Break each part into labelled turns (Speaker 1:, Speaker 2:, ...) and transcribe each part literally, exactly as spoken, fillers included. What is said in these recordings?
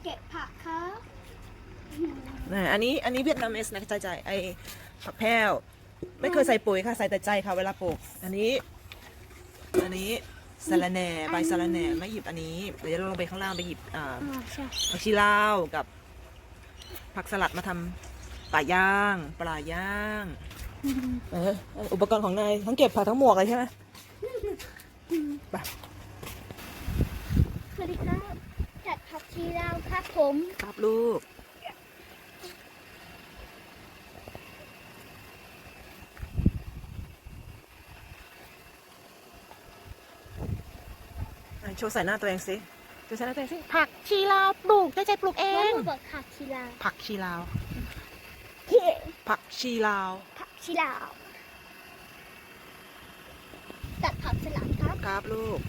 Speaker 1: เก็บผักครับ
Speaker 2: อันนี้อันนี้เวียดนามเอสนะใจใจไอผักแพรวไม่เคยใส่ปุ๋ยค่ะใส่แต่ใจค่ะเวลาปลูกอันนี้อันนี้สะระแหน่ใบสะระแหน่ไม่หยิบอันนี้เดี๋ยวเราลงไปข้างล่างไปหยิบอ่า
Speaker 1: อ๋อใช่
Speaker 2: ผักชีลาวกับผักสลัดมาทำปลาย่างปลาย่างเอออุปกรณ์ของนายทั้งเก็บผักทั้งหมวกเลยใช่ไหมไป
Speaker 1: สวัสดีครับจัดผักชีลาวครับผม
Speaker 2: ครับลูกโชว์ใส่หน้าตัวเองสิโชว์ใส่หน้าตัวเองสิผักชีลาวปลูกใจใจปลูกเอ
Speaker 1: ว่าง บอกผักชีลาว
Speaker 2: ผักชีลาว
Speaker 1: เฮ้
Speaker 2: ผักชีลาว
Speaker 1: ผักชีลาวจัดผักสลัดครับ
Speaker 2: ครับลูก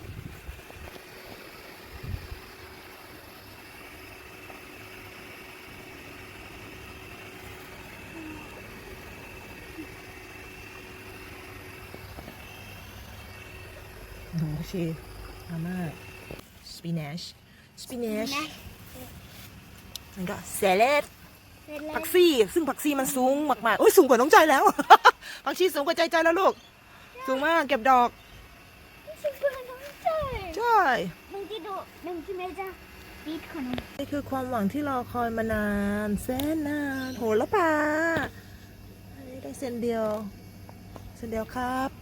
Speaker 2: โอ้โหชีมามากสปินัชสปินัช
Speaker 1: นะ
Speaker 2: แล้วก็เซเลด
Speaker 1: เสร็จแล้ว
Speaker 2: ผักซีซึ่งผักซีมันสูงมากๆโอ้ยสูงกว่าน้องใจแล้ว ผักชีสูงกว่าใจใจแล้วลูกสูงมากเก็บดอก
Speaker 1: ฉันเพื่อนน้องใจ
Speaker 2: ใช่
Speaker 1: มึงที่ดูมึงที่ไม่จะปีดของน้อง
Speaker 2: นี่คือความหวังที่รอคอยมานานแสนนานโหระพาอันนี้ได้เซนเดียวเซนเดียวครับ